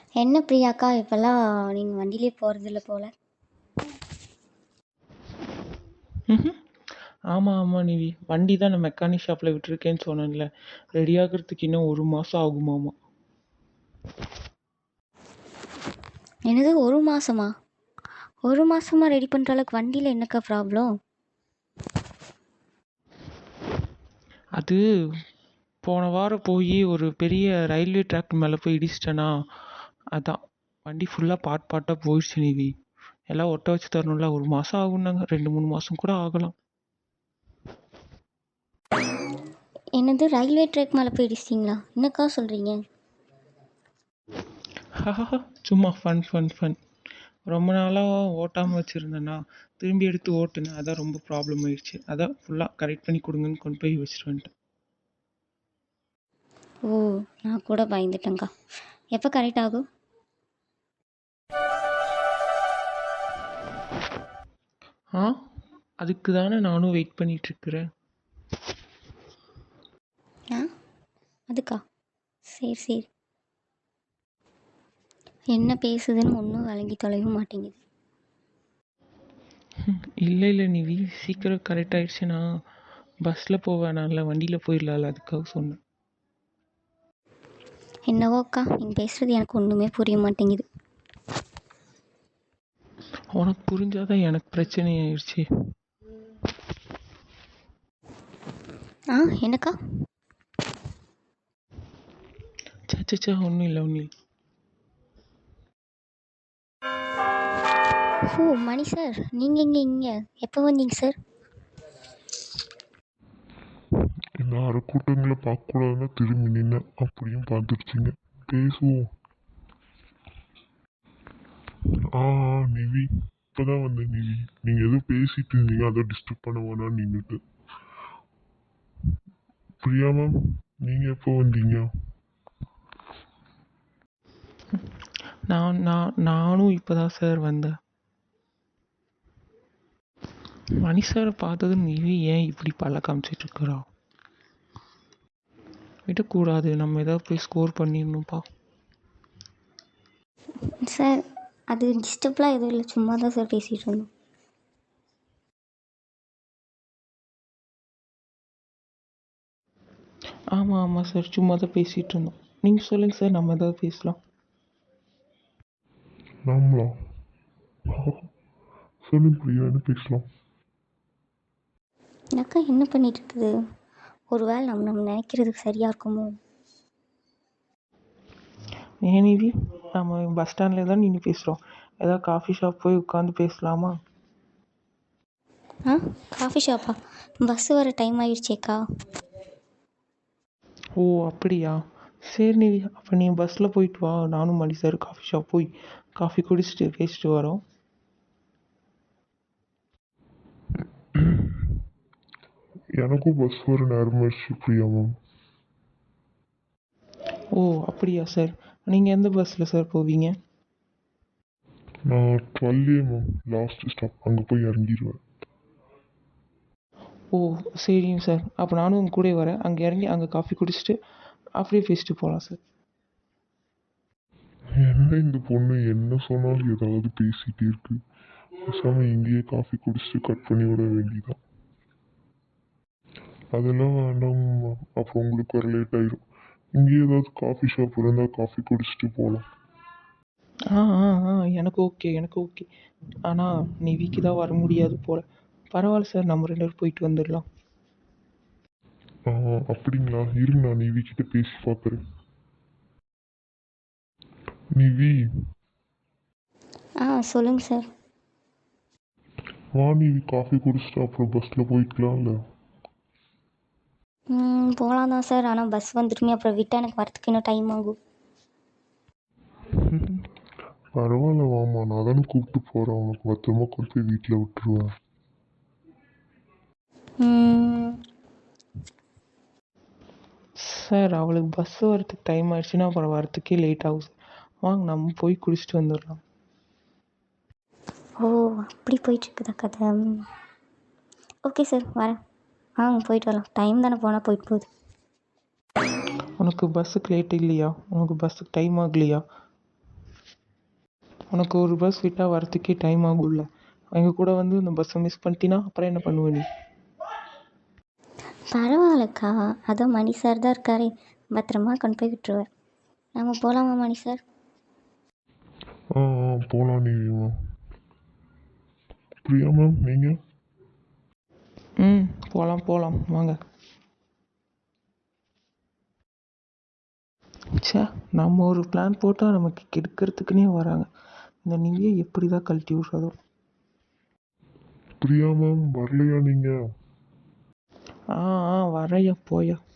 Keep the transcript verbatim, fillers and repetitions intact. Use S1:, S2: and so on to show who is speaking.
S1: என்ன பிரியாக்கா இப்போல்லாம் நீங்கள் வண்டியிலே போகிறதில்ல போல்.
S2: ம் ஆமாம் ஆமாம் நிவி, வண்டி தான் நான் மெக்கானிக் ஷாப்பில் விட்டுருக்கேன்னு சொன்னேன்ல, ரெடி ஆகிறதுக்கு இன்னும் ஒரு மாதம் ஆகுமாமா.
S1: என்னது ஒரு மாதமா? ஒரு மாதமா ரெடி பண்ணுற அளவுக்கு வண்டியில் என்னக்கா ப்ராப்ளம்?
S2: அது போன வாரம் போய் ஒரு பெரிய ரயில்வே ட்ராக் மேலே போய் இடிச்சிட்டேனா, அதான் வண்டி ஃபுல்லாக பாட் பாட்டாக போயிடுச்சு நிவி. எல்லாம் ஒட்ட வச்சு தரணும்ல, ஒரு மாதம் ஆகுனாங்க, ரெண்டு மூணு மாதம் கூட ஆகலாம்.
S1: என்னது ரயில்வே ட்ராக் மேலே போயிடுச்சிங்களா? என்னக்கா சொல்கிறீங்க?
S2: சும்மா ஃபன் ஃபன் ஃபன். ரொம்ப நாளாக ஓட்டாமல் வச்சுருந்தேன்னா திரும்பி எடுத்து ஓட்டுனேன், அதான் ரொம்ப ப்ராப்ளம் ஆயிடுச்சு. அதான் ஃபுல்லாக கரெக்ட் பண்ணி கொடுங்கன்னு கொண்டு போய் வச்சுட்டு வந்துட்டேன்.
S1: ஓ, நான் கூட பயந்துட்டேங்க்கா. எப்போ கரெக்ட் ஆகும்?
S2: ஆ அதுக்கு தானே நானும் வெயிட் பண்ணிகிட்ருக்கிறேன்.
S1: ஆ அதுக்கா? சரி சரி. என்ன பேசுதுன்னு ஒன்றும் விளங்கி தொலைவும் மாட்டேங்குது.
S2: இல்லை இல்லை நிவி, சீக்கிரம் கரெக்ட் ஆயிடுச்சுன்னா பஸ்ஸில் போவேனால வண்டியில் போயிடலாம்ல, அதுக்காக சொன்னேன்.
S1: என்னவோக்கா, நீங்கள் பேசுகிறது எனக்கு ஒன்றுமே புரிய மாட்டேங்குது.
S2: உனக்கு புரிஞ்சாதான் எனக்கு பிரச்சனை ஆயிடுச்சு.
S1: ஆ என்னக்கா?
S2: சச்சா ஒன்றும் இல்லை ஒன்றும் இல்லை.
S1: ஓ மணி சார், நீங்கள் இங்கே இங்கே எப்போ வந்தீங்க சார்?
S3: இந்த அரைக்கூட்டங்களை பார்க்கக்கூடாதுன்னா திரும்பி நின்று அப்படியும் பார்த்துருச்சிங்க. பேசுவோம். ஆ ஆ, நிவி இப்போதான் வந்தேன் நிவி. நீங்கள் எதுவும் பேசிட்டு இருந்தீங்க, அதை டிஸ்டர்ப் பண்ண வேணாம்னு நின்றுட்டு. பிரியா மேம், நீங்கள் எப்போ வந்தீங்க?
S2: நான் நான் நானும் இப்போ தான் சார் வந்தேன். மணி சாரை பார்த்ததும் நிவி ஏன் இப்படி பல்ல காமிச்சிட்ருக்குறா? விடக்கூடாது, நம்ம ஏதாவது போய் ஸ்கோர் பண்ணிடணும்ப்பா.
S1: சார் அது டிஸ்டர்ப்லாம் எதுவும் இல்லை, சும்மா தான் சார் பேசிகிட்டு இருந்தோம்.
S2: ஆமாம் ஆமாம் சார், சும்மா தான் பேசிகிட்டு இருந்தோம். நீங்கள் சொல்லுங்கள் சார், நம்ம ஏதாவது பேசலாம்.
S3: நாமளா? சொல்லுங்க பிரியா, என்ன பேசலாம்?
S1: அக்கா என்ன பண்ணிட்டு இருக்குது? ஒரு வேளை நம்ம நம்ம நினைக்கிறதுக்கு சரியாக இருக்குமோ?
S2: ஏன் நிவி, நம்ம பஸ் ஸ்டாண்டில் தான் நின்று பேசுகிறோம், ஏதாவது காஃபி ஷாப் போய் உட்காந்து பேசலாமா?
S1: ஆ காஃபி ஷாப்பா? பஸ்ஸு வர டைம் ஆகிடுச்சேக்கா.
S2: ஓ அப்படியா, சரி நிவி, அப்போ நீ பஸ்ஸில் போயிட்டு வா, நானும் மணி சார் காஃபி ஷாப் போய் காஃபி குடிச்சிட்டு பேசிட்டு வரோம்.
S3: எனக்கும் பஸ் வர நேரமாகிடுச்சு பிரியா மேம்.
S2: ஓ அப்படியா சார், நீங்கள் எந்த பஸ்ஸில் சார் போவீங்க?
S3: நான் twelve A ma'am, last stop, அங்கே போய் இறங்கிடுவேன்.
S2: ஓ சரிங்க சார், அப்போ நானும் உங்க கூட வரேன். அங்கே இறங்கி அங்கே காஃபி குடிச்சிட்டு அப்படியே பேசிட்டு போகலாம் சார்.
S3: என்ன இந்த பொண்ணு என்ன சொன்னாலும் ஏதாவது பேசிகிட்டே இருக்கு. பேசாமல் இங்கேயே காஃபி குடிச்சிட்டு கட் பண்ணி விட வேண்டியதான். அதெல்லாம் வேண்டாம், அப்புறம் உங்களுக்கு வர லேட் ஆயிடும். இங்கேயே ஏதாவது காஃபி ஷாப் இருந்தால் காஃபி குடிச்சிட்டு போகலாம்.
S2: ஆ ஆ ஆ எனக்கு ஓகே எனக்கு ஓகே. ஆனால் நிவிக்கு தான் வர முடியாது போல். பரவாயில்ல சார், நம்ம ரெண்டு பேரும் போயிட்டு வந்துடலாம்.
S3: ஆ அப்படிங்களா, இருங்க நான் நிவி கிட்ட பேசி பார்க்குறேன். நிவி,
S1: ஆ சொல்லுங்கள் சார்.
S3: வா நிவி, காஃபி குடிச்சிட்டு அப்புறம் பஸ்ஸில் போய்க்கலாம்ல.
S1: ம் போகலாம் தான் சார், ஆனால் பஸ் வந்துட்டுமே அப்புறம் விட்டால் எனக்கு வரத்துக்கு இன்னும் டைம் ஆகும்.
S3: பரவாயில்ல வாமா, நான் தானே கூப்பிட்டு போகிறேன், உனக்கு பத்திரமா கொண்டு போய் வீட்டில் விட்டுருவேன்.
S1: ம்,
S2: சார் அவளுக்கு பஸ் வரத்துக்கு டைம் ஆயிடுச்சுன்னா அப்புறம் வரத்துக்கே லேட் ஆகும் சார். வாங்க நம்ம போய் குடிச்சிட்டு வந்துடலாம்.
S1: ஓ அப்படி போயிட்டுருக்குதா கதை? ஓகே சார், வரேன். ஆ போயிட்டு வரலாம், டைம் தானே போனால் போயிட்டு போகுது.
S2: உனக்கு பஸ்ஸுக்கு லேட் இல்லையா? உனக்கு பஸ்ஸுக்கு டைம் ஆகலையா? உனக்கு ஒரு பஸ் விட்டால் வரத்துக்கே டைம் ஆகும்ல. அவங்க கூட வந்து இந்த பஸ்ஸை மிஸ் பண்ணிட்டீன்னா அப்புறம் என்ன பண்ணுவ நீ?
S1: பரவாயில்லக்கா, அதான் மணி சார் தான் இருக்காரே, பத்திரமா கொண்டு போய் விட்டுருவார். நம்ம போகலாமா மணி சார்?
S3: ஆ ஆ போகலாம் நிவி மேம். பிரியா மேம் நீங்கள்?
S2: ம் போகலாம் போகலாம் வாங்க. ச்சே, நம்ம ஒரு பிளான் போட்டால் நமக்கு கெடுக்கிறதுக்குன்னே வராங்க. இந்த நிவியை எப்படி தான் கழட்டி விட்றதோ.
S3: பிரியா மேம் வரலையா நீங்கள்?
S2: ஆ ஆ வரையா போயா.